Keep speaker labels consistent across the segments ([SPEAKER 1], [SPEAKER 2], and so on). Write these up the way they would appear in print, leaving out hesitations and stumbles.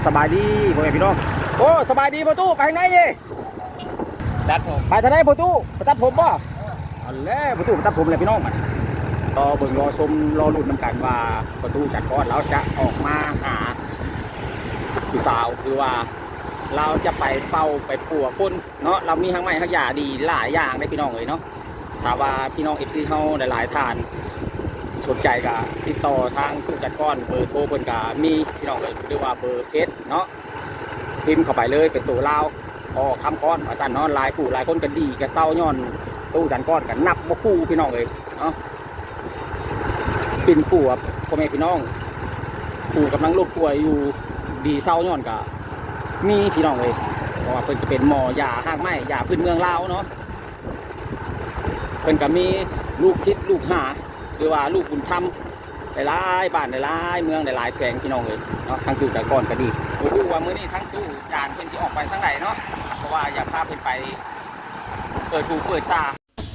[SPEAKER 1] สบายดีพ่อแม่พี่น้องโอ้สบายดีประตูไปทางไหนยี่ตัดผมไปทางไหนประตูไปตัดผมป่ะอันแรกประตูไปตัดผมเลยพี่น้องมันรอเบิ่งรอชมรอลุ้นน้ำกันว่าประตูจัดก้อนเราจะออกมาหาผู้สาวคือว่าเราจะไปเป่าไปปัวคนเนาะเรามีทั้งไม้ทั้งยาดีหลายอย่างได้พี่น้องเลยเนาะถ้าว่าพี่น้องFCเขาหลายๆท่านสนใจก็ติดต่อทางผู้จัดก้อนเบอร์โทรเพิ่นก็มีพี่น้องเลยหรือว่าเบอร์เฟซเนาะพิมพ์เข้าไปเลยเป็นตัวลาวพอคำก้อนมาสั่นเนาะหลายผู้หลายคนกันดีกันเศร้าย้อนตู้จัดก้อนกันนับบ่คู่พี่น้องเลยเนาะเป็นปู่ครับพ่อแม่พี่น้องปู่กำลังรบป่วยอยู่ดีเศร้าย้อนก็มีพี่น้องเลยเพราะว่าเพิ่นจะเป็นหมอยาห้างไม้ยาพื้นเมืองลาวเนาะเพิ่นก็มีลูกศิษย์ลูกหาหรือว่าลูกบุญธรรมหลายบ้านหลายเมืองหลายแขวงพี่น้องเลยเนาะทั้งตู้จัดก้อนก็ดีโอ้โหว่ามื้อนี้ทั้งตู้จานเพิ่นสิออกไปทางไหนเนาะเพราะว่าอยากพาเพิ่นไปเปิดหูเปิดตา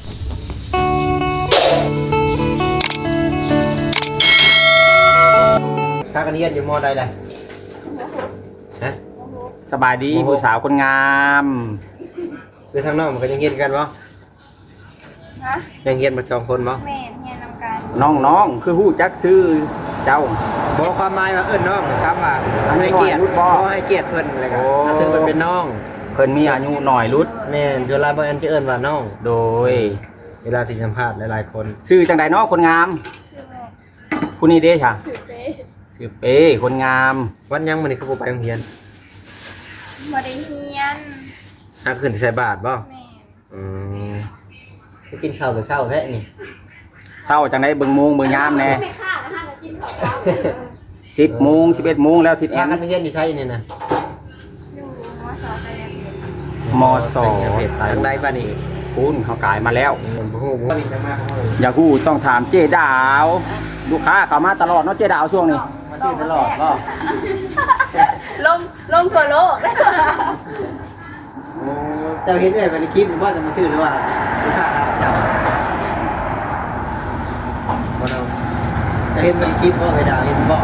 [SPEAKER 2] ถ้ากันเรียนอยู่มอใดเลยฮะ
[SPEAKER 1] สบายดีผู้สาวคนงาม
[SPEAKER 2] คือทางนอกมันก็ยังเรียนกันบ่
[SPEAKER 3] ฮะ
[SPEAKER 2] ยังเรียนมาสองคนบ่
[SPEAKER 3] แม่เฮียนำกัน
[SPEAKER 1] น้องคือฮู้จักซื้อเจ้า
[SPEAKER 2] บอกความหมายว่าเอิ้นน้องครับว่า
[SPEAKER 1] อันนี้
[SPEAKER 2] ให้เกียรติ
[SPEAKER 1] น้อยรุดบ่
[SPEAKER 2] บ่ให้เกียรติเพิ่นอะไรกัน
[SPEAKER 1] โอ้
[SPEAKER 2] ถึงมันเป็นน้อง
[SPEAKER 1] เพิ่นมีอายุหน่อยรุด
[SPEAKER 2] แม่นจุฬาบ่อันจะเอิ้นว่าน้อง
[SPEAKER 1] โดย
[SPEAKER 2] เวลาที่สัมภาษณ์หลายๆคน
[SPEAKER 1] ซื้อจังใดเนาะคนงาม
[SPEAKER 3] ชื่อแม่
[SPEAKER 1] ผู้นี้เด้ค่ะ
[SPEAKER 3] ชื่อเป๊
[SPEAKER 1] ซื้อเป้คนงาม
[SPEAKER 2] วันยังมื้อนี้คือบ่ไปโรงเรียน
[SPEAKER 3] บ่ได้เฮียน
[SPEAKER 2] หาขึ้นที่ใส่บาทบ่
[SPEAKER 3] แม่
[SPEAKER 2] อืมไปกินข้าวแต่เช้าแท้นี่
[SPEAKER 1] เศร้าจังไดเบิ่งโมงเบิ่งยามแน่
[SPEAKER 3] ไม่ฆ่าแล้วห้ากินข้าวเช้า
[SPEAKER 1] 10 โมง 11 โมงแล้วทิศแอ
[SPEAKER 2] พาน กันไปเรียนอยู่ใช่นี่นะ
[SPEAKER 3] อยู่มสองไปเรียน
[SPEAKER 1] มส
[SPEAKER 2] ทางใดบ้านนี้
[SPEAKER 1] คุณเขากายมาแล้ว
[SPEAKER 2] บ่ฮู้บ่มีจังมาของเรา
[SPEAKER 1] อยากฮู้ต้องถามเจดาวลูกค้าเข้ามาตลอดเนาะเจดาวช่วงนี้
[SPEAKER 2] มาซื้อตลอดบ่
[SPEAKER 3] ลงทั่วโลก
[SPEAKER 2] โอ้เจ้าเห็นได้ในคลิปว่าจะมาซื้อหรือว่าลูกค้าเจ้าบ่เอาจะเห็นในคลิปบ่ไปดาวเห็นบ่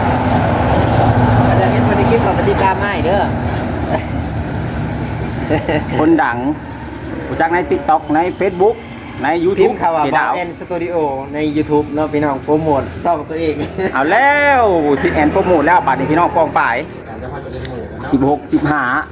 [SPEAKER 2] จะเห็นในคลิปก็ปฏิกรรมให้เด้อ
[SPEAKER 1] คนดังรู้จักใน TikTok ใน Facebook ใน
[SPEAKER 2] พิม
[SPEAKER 1] YouTube
[SPEAKER 2] พ์คำว่า
[SPEAKER 1] เจ
[SPEAKER 2] บอ
[SPEAKER 1] ดาว
[SPEAKER 2] แอนสตูดิโอใน YouTube เนาะพี่น้องโปรโมทช่องตัวเอง
[SPEAKER 1] เอาแล้วทิศแอนโปรโมทแล้วบัดนี้พี่น้องกองป่าย16 15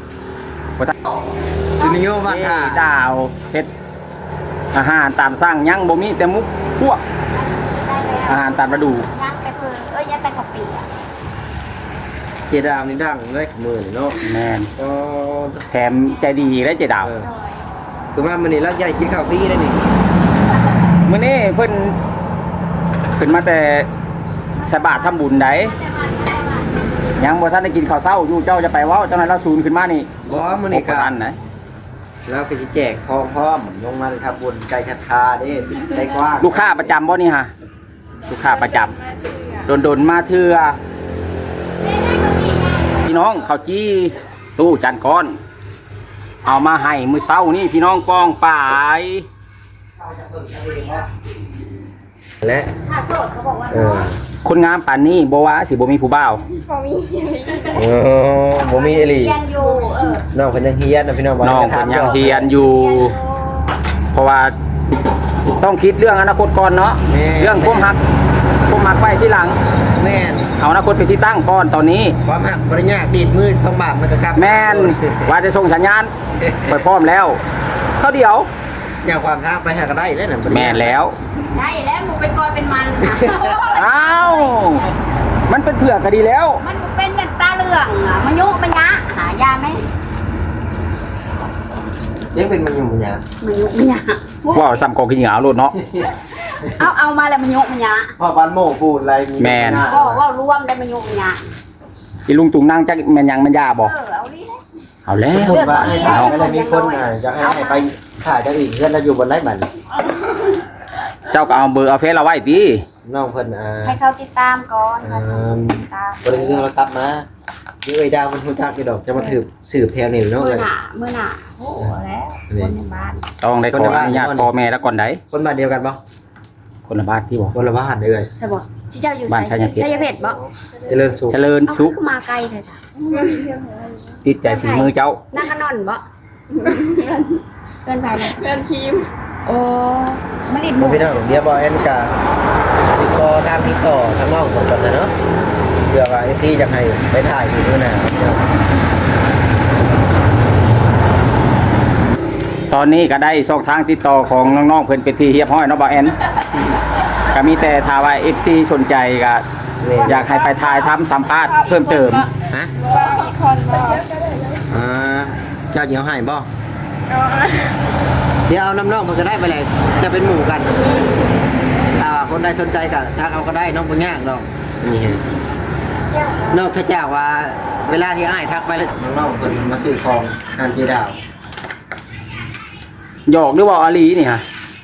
[SPEAKER 2] จูนิโอบ้านท่า
[SPEAKER 1] ดาวเฮ็ดอาหารตามสั่งยังบ่มีแต่มุกพวกอาหารตามฤดู
[SPEAKER 3] ยักษ์แต่คือยักษ์แต่ข้าวปีอ่ะ
[SPEAKER 2] เจดามนี่ดังได้ขมือนี่เนาะ
[SPEAKER 1] แม่น
[SPEAKER 2] ก็
[SPEAKER 1] แถมใจดีและเจดาว
[SPEAKER 2] คือว่ามื้อนี้เราใหญ่กินข้าวฟรีได้นี่
[SPEAKER 1] มื้อนี้เพิ่นมาแต่ใส่บาตรทำบุญได้ยังบ่ทันได้กินข้าวเช้าอยู่เจ้าจะไปเว้าเจ้านั้นเราซูนขึ้นมานี่
[SPEAKER 2] บ่มื้อนี้ก็
[SPEAKER 1] บ่ทันไหน
[SPEAKER 2] แล้วก็สิแจกของพร้อมลงมาเลยครับบนไก่คัดคาเด้ไก่กว้าง
[SPEAKER 1] ลูกค้าประจำบ่นี่ฮะลูกค้าประจำโดนๆมาเทื่อพี่น้องข้าวจี้ตู้จานก้อน เอามาให้มื้อเช้านี่พี่น้องป้องป่าย
[SPEAKER 2] และ
[SPEAKER 3] ถ้าโสดเขาบอกว่า
[SPEAKER 2] เอ
[SPEAKER 3] โส
[SPEAKER 2] อ
[SPEAKER 3] ด
[SPEAKER 1] คนงามป่านนี้บ่ว่าสิบ่มีผู้บ่าว
[SPEAKER 3] พอมี
[SPEAKER 2] บ่มีอีหลี
[SPEAKER 3] เฮียนอยู่
[SPEAKER 2] น้องเพิ่นยังเฮียนนะพี่น้อง
[SPEAKER 1] น้องเพิ่นยังเฮียนอยู่ เพราะว่าต้องคิดเรื่องอนาคตก่อนเนาะเรื่องความรักไว้ที่หลัง
[SPEAKER 2] แม่น
[SPEAKER 1] เอาอนาคตเป็นที่ตั้งก่อนตอนนี้
[SPEAKER 2] ความหักบ่ได้ยากดีดมือ2บาทมันก็กลับ
[SPEAKER 1] แม่นว่าจะส่งสัญญาณไปพร้อมแล้วเท่าเดียว
[SPEAKER 2] อย่างความทางไปหาก็ได้แล้วน่ะบ่ได้
[SPEAKER 1] แม่นแล้ว
[SPEAKER 3] ได้แล้วหนูเป็นกอยเป็นมัน
[SPEAKER 1] อ้าวมันเป็นเผือกก็ดีแล้ว
[SPEAKER 3] มันเป็นแบบตาเหลืองอ่ะมายุมันยะหายาไหม
[SPEAKER 2] ยังเป็นมันอยู่บ่ยา
[SPEAKER 3] มันยุมันยะ
[SPEAKER 1] ว้าวซ้ำกองกินเหงาโลดเนาะ
[SPEAKER 3] เอามาแล้วมันยุมันยะ
[SPEAKER 2] พ่อบ้านโมพูดอะไรมี
[SPEAKER 1] แม่น
[SPEAKER 3] ว่ารวมได้มันยุมันยะ
[SPEAKER 1] อีลุงตุงนั่งจักแม่นยังแม่นยาบ่
[SPEAKER 3] เอาดิ
[SPEAKER 1] เอาแล้ว
[SPEAKER 2] พูดว่าให้ถ่ายก็เลยมีคนจะให้ไปถ่ายจังอีกเพื่อนเราอยู่บนไร่บัน
[SPEAKER 1] เจ้าก็เอาเบอร์เอาเฟซเราไว้ติ
[SPEAKER 2] น้องเพิ่น
[SPEAKER 3] ให้เขาติดตามก่อนค่ะติดตาม
[SPEAKER 2] บริเวณเราตับมานี่เอ้ยดาวมันฮู้จักอยู่ดอกจะมาสืบแถวนี่เนาะ
[SPEAKER 3] เมื่
[SPEAKER 2] เล
[SPEAKER 3] อย หน้าโอ้แล้วคนในบ้าน
[SPEAKER 1] ต้องได้ขออนุญาตพ่อแม่แล้วก่อนได้
[SPEAKER 2] คนบ้านเดียวกันบ่
[SPEAKER 1] คนละบ้านที่บ่
[SPEAKER 2] คนละบ้านเลย
[SPEAKER 3] ใช่บ่ที่เจ้าอยู่
[SPEAKER 1] บ้านชัยเพชร
[SPEAKER 3] ชัยเพชรบ่
[SPEAKER 2] เจริญสุข
[SPEAKER 1] เจริญสุข
[SPEAKER 3] เอาคือมาไกลเถอะจ้ะ
[SPEAKER 1] ติดใจสีมือเจ้า
[SPEAKER 3] นั่งกันนอนบ่เกินไปเลย
[SPEAKER 4] เพื่อนทีม
[SPEAKER 3] โอ้มันอิดห
[SPEAKER 2] บ่
[SPEAKER 3] มู
[SPEAKER 2] พี่น้องเดี๋ยวบ่แอนกะติดต่อทางติดต่อทางน้องผมก่อนนะเนาะเผื่อว่า FC อยากให้ไปถ่ายอยู่มื้อหน้า
[SPEAKER 1] ตอนนี้ก็ได้ช่องทางติดต่อของน้องๆเพิ่นเป็นที่เรียบร้อยเนาะบ่แอนก็มีแต่ถ้าว่า FC สนใจก็อยากให้ไปถ่ายทำสัมภาษณ์เพิ่มเติม
[SPEAKER 2] ฮะ
[SPEAKER 4] ว่ามีคนบ่
[SPEAKER 2] เจ้าเดี๋ยวให้บ่เดี๋ยวเอาน้ำน้องมันก็ได้ไปเลยจะเป็นหมู่กันถ้าว่าคนใดสนใจก็ทักเอาก็ได้น้องบ่ยากดอกนี่ฮะนอกจากว่าเวลาที่อ้ายทักไปแล้วน้องๆเพิ่นมาซื้อของทานเจดาว
[SPEAKER 1] หยอกหรือว่าอาลีนี่ฮะ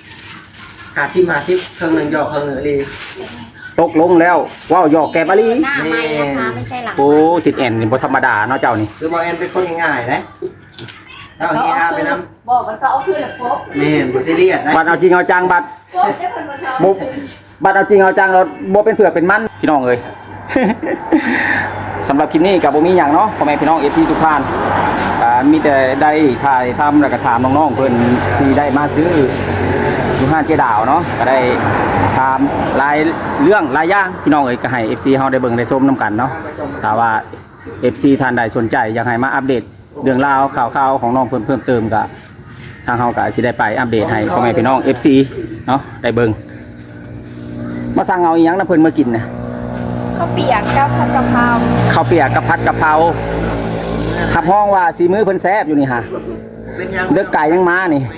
[SPEAKER 2] 50เครื่องหนึงหยอกเครื่องหนึงอีหลี
[SPEAKER 1] ตกลงแล้วว้าวหยอกแกบอาลี
[SPEAKER 3] หน้าไม่นะคะไม่ใช่หลัง
[SPEAKER 1] โอ้ติดแอนนี่บ่ธรรมดาเนาะเจ้านี่
[SPEAKER 2] คือบ่แอนเป็นคนง่ายๆนะเอาเฮียอาไปนำ
[SPEAKER 3] บอกมันก็เอาคืนแล้วปุ๊บ
[SPEAKER 2] แม่นบ่ซีเรียสนะ
[SPEAKER 1] บัดเอาจริงเอาจังบัด
[SPEAKER 3] ปุ๊บได้เพิ่นมาทำ
[SPEAKER 1] บ่บัดเอาจริงเอาจังเราบ่เป็นเผือกเป็นมันพี่น้องเอ้ย สำหรับคลิปนี้กับบ่มีหยังเนาะพ่อแม่พี่น้อง FC ทุกท่านมีแต่ได้ถ่ายทำแล้วก็ถามน้องๆเพิ่นที่ได้มาซื้ออยู่ห้านเจดาวเนาะก็ได้ถามรายเรื่องรายอย่างพี่น้องเอ้ยก็ให้ FC เฮาได้เบิ่งได้ชมนํกันเนาะถ้าว่า FC ท่านใดสนใจอยากให้มาอัปเดตเรื่องราวข่าวๆของน้องเพิ่มเติมก็ทางเฮาก็สิได้ไปอัปเดตให้พ่อแม่พี่น้อง FC เนาะได้เบิ่งมาสั่งเอาอีหยังนะเพิ่นมากินนะ
[SPEAKER 4] ข้าวเปียกกับผัดกะเพรา
[SPEAKER 1] ข้าวเปียกกับผัดกะเพราขับห้องว่าสีมือเพิ่นแซ่บอยู่นี่ฮะ
[SPEAKER 2] เป็นยัง
[SPEAKER 1] เลือกไก่ยังมานี่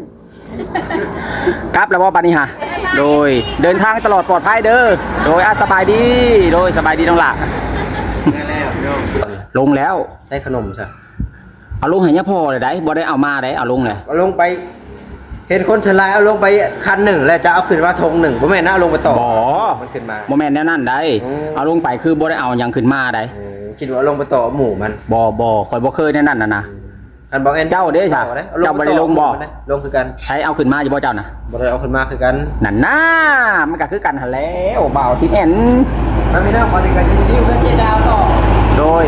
[SPEAKER 1] กลับแล้วบ่บัดนี้ฮะโดยเดินทางตลอดปลอดภัยเด้อโดยสบายดีโดยสบายดีน้องหล่ะ
[SPEAKER 2] ได้แล้วโยม
[SPEAKER 1] ลงแล้ว
[SPEAKER 2] ได้ขนมซะ
[SPEAKER 1] เอาลงให้ยะพ่อเลยได้บ่ได้เอามาได้เอาลงเลย
[SPEAKER 2] เอาลงไป เห็นคนชลายเอาลงไปคันหนึ่งแล้วจะเอาขึ้นมาธงหนึ่งบ่แม่นนะเอาลงไปต่อ
[SPEAKER 1] บ่
[SPEAKER 2] มันขึ้นมา
[SPEAKER 1] บ่แม่นแนวนั้นได้
[SPEAKER 2] อืม
[SPEAKER 1] เอาลงไปคือบ่ได้เอาหยังขึ้นมาได้
[SPEAKER 2] คิดว่าเอาลงไปต่อหมู่มัน
[SPEAKER 1] บ่ข่อยบ่เคยแนวนั้นน่ะนะ
[SPEAKER 2] คันบอกแอน
[SPEAKER 1] เจ้าเด้ค่ะ
[SPEAKER 2] ต่อได้
[SPEAKER 1] เจ้าบ่ได้ลงบ่
[SPEAKER 2] ลงคือกัน
[SPEAKER 1] ใช้เอาขึ้นมาอยู่บ่เจ้าน่ะ
[SPEAKER 2] บ่ได้เอาขึ้นมาคือกัน
[SPEAKER 1] นั่นน่ะมันก็คือกันหั่นแล้วบ่าวที่แอน
[SPEAKER 2] มันมีหน้าขอดีกันที่นิ้วเพื่อนเจดาวต่อ
[SPEAKER 1] โดย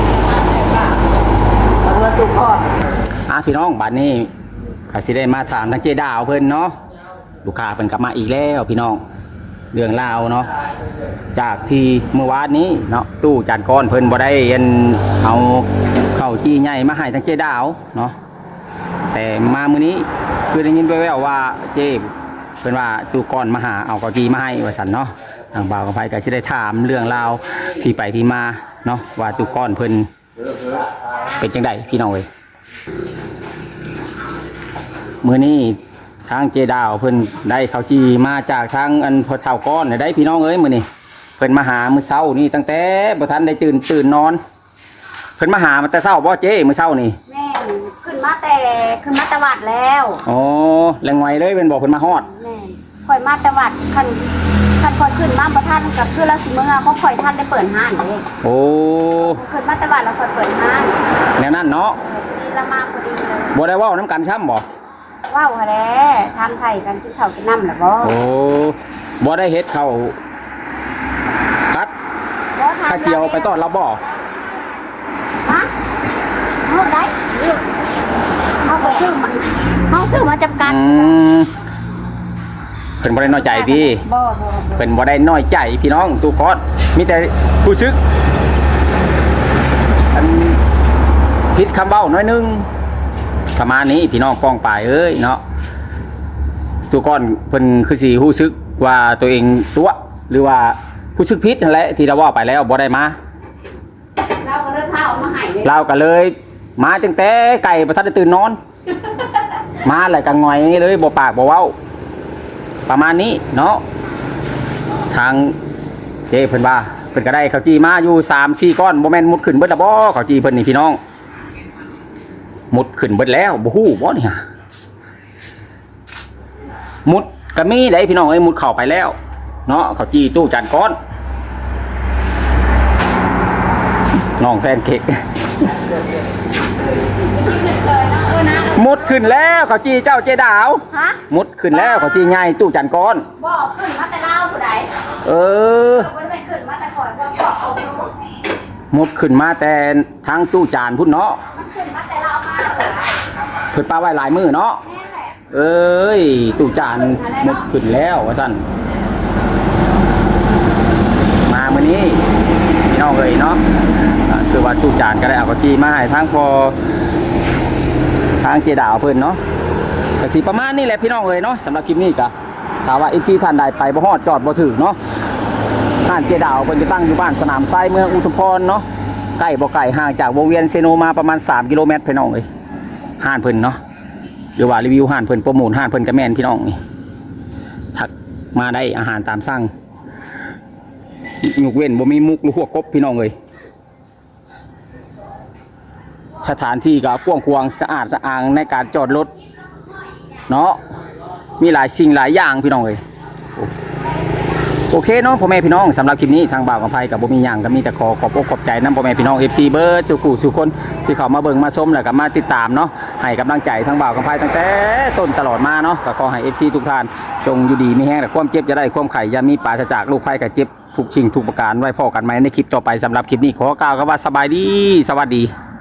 [SPEAKER 2] เอาเงินจุกพอด
[SPEAKER 1] พี่น้องบัดนี้ก็สิได้มาถามทางเจดาวเพิ่นเนาะลูกค้าเพิ่นกลับมาอีกแล้วพี่น้องเรื่องราวเนาะจากที่เมื่อวานนี้เนาะตู้จานก้อนเพิ่นบ่ได้เอาข้าวจี้ใหญ่มาให้ทางเจดาวเนาะแต่มามื้อนี้คือได้ยินแว่วๆว่าเจเพิ่นว่าตู้ก้อนมาหาเอาข้าวจี้มาให้ว่าซั่นเนาะทางบ่าวกับไผก็สิได้ถามเรื่องราวที่ไปที่มาเนาะว่าตู้ก้อนเพิ่นเป็นจังไดพี่น้องเอ้ย มื้อนี้ทางเจดาวเพิ่นได้ข้าวจีมาจากทางอันพอเฒ่าก้อนได้พี่น้องเอ้ยมื้อนี้เพิ่นมาหามื้อเช้านี่ตั้งแต่บ่ทันได้ตื่นนอนเพิ่นมาหามาแต่เช้าบ่เจ้มื้อเช้านี่
[SPEAKER 3] แม่นขึ้นมาแต่วัดแล้ว
[SPEAKER 1] อ๋อแรงไวเลยเพิ่นบอกเพิ่นมาฮอด
[SPEAKER 3] แม่นข่อยมาแต่วัดคันข่อยขึ้นมาบ่ทันกับคือละสิมื้อเขาข่อยทันได้เปิดห้านเด้
[SPEAKER 1] โอ้
[SPEAKER 3] ขึ้นมาแต่วัดแล้วข่อยเปิดห้าน
[SPEAKER 1] แนวนั้นเนาะ
[SPEAKER 3] นี่ละมาพอดีเลย
[SPEAKER 1] บ่ได้เว้านํกันซ้ำบ่
[SPEAKER 3] ว้าวแท้ทำไทยกันที่เขากินน้ำหรือบ่
[SPEAKER 1] โอ้บ่ได้เฮ็ดข้าวกัดข้าเจียวไปต้อนรับบ่
[SPEAKER 3] ฮะเอาได้เอาไปซื้อมาเอาซื้อมาจับกัน
[SPEAKER 1] เพิ่นบ่ได้น้อยใจพี่
[SPEAKER 3] บ่
[SPEAKER 1] เป็นบ่ได้น้อยใจพี่น้องตูกอดมีแต่ผู้ซึกอันผิดคำเบ้าน้อยนึงประมาณนี้พี่น้องป้องปลายเอ้ยเนาะตูก้อนเพิ่นคือสิฮู้ซึกว่าตัวเองตัวหรือว่าผู้ซึกผิดนั่นแหละที่เราว่าไปแล้วบ่ได้มา
[SPEAKER 3] เราก็เริ่มเท้าเอามาให้เลย
[SPEAKER 1] เราก็เลยมาตั้งแต่ไก่บ่ทันได้ตื่นนอน มาแล้วก็งอยเลยบ่ปากบ่เว้าประมาณนี้เนาะทางเจ้เพิ่นว่าเพิ่นก็ได้ข้าวจีมาอยู่ 3-4 ก้อนบ่แม่นมุดขึ้นเบิดละบ่ข้าวจีเพิ่นนี่พี่น้องมุดขึ้นเบิดแล้วบ่ฮู้บ่นี่ฮะมุดก็มีได้พี่น้องเอ้ยมุดเข้าไปแล้วเนาะข้าวจีตู้จานก้อนน้องแพนเค้กมุดขึ้นแล้วข้าวจีเจ้าเจดาว
[SPEAKER 3] ฮะ
[SPEAKER 1] มุดขึ้นแล้วข้าวจีใหญ่ตู้จานก้อน
[SPEAKER 3] บ่ขึ้นมาแต่เล่าผู้ใด
[SPEAKER 1] เออ
[SPEAKER 3] มันไม่ขึ้นมาแต่ก่อนว่าพอเอาลง
[SPEAKER 1] หมดขึ้นมาแต่ทางตู้จานพุ่นเนาะ
[SPEAKER 3] มันขึ้นมาแต่เราเอามาเหรอ
[SPEAKER 1] เพิ่นปาไว้หลายมือเนาะ
[SPEAKER 3] แน่แหละ
[SPEAKER 1] เอ้ยตู้จานหมดขึ้นแล้วว่าซั่นมามื้อนี้พี่น้องเอ้ยเนาะคือว่าตู้จานก็ได้เอากระจีมาให้ทางพอทางเจดาวเพิ่นเนาะก็สิประมาณนี้แหละพี่น้องเอ้ยเนาะสำหรับคลิปนี้ก็ถามว่า FC ท่านใดไปบ่ฮอดจอดบ่ถึงเนาะห้านเจดาวเพิ่นจะตั้งอยู่บ้านสนามทรายเมืองอุทุมพรเนาะใกล้บ่ไกลห่างจากวงเวียนเซโนมาประมาณ3กิโลเมตรพี่น้องเอ้ยห้านเพิ่นเนาะหรือว่ารีวิวห้านเพิ่นโปรโมทห้านเพิ่นก็แม่นพี่น้องนี่ทักมาได้อาหารตามสั่งยกเว้นบ่มีมุกหรือหัวกบพี่น้องเอ้ยสถานที่ก็กว้างขวางสะอาดสะอางในการจอดรถเนาะมีหลายสิ่งหลายอย่างพี่น้องเอ้ยโอเคเนาะพ่อแม่พี่น้องสำหรับคลิปนี้ทางบ่าวกับไพกับบ่มีหยังก็มีแต่ขอบอกใจนำพ่อแม่พี่น้อง FC เบิร์ดสุขุสุคนที่เขามาเบิ่งมาชมแล้วก็มาติดตามเนาะให้กำลังใจทางบ่าวกับไพตั้งแต่ต้นตลอดมาเนาะก็ขอให้ FC ทุกท่านจงอยู่ดีมีแห้งแต่ความเจ็บจะได้ความไข่อย่ามีปราศจากโรคภัยกับเจ็บทุกสิ่งทุกประการไว้พอกันไหมในคลิปต่อไปสำหรับคลิปนี้ขอกล่าวคำว่าสบายดีสวัสดี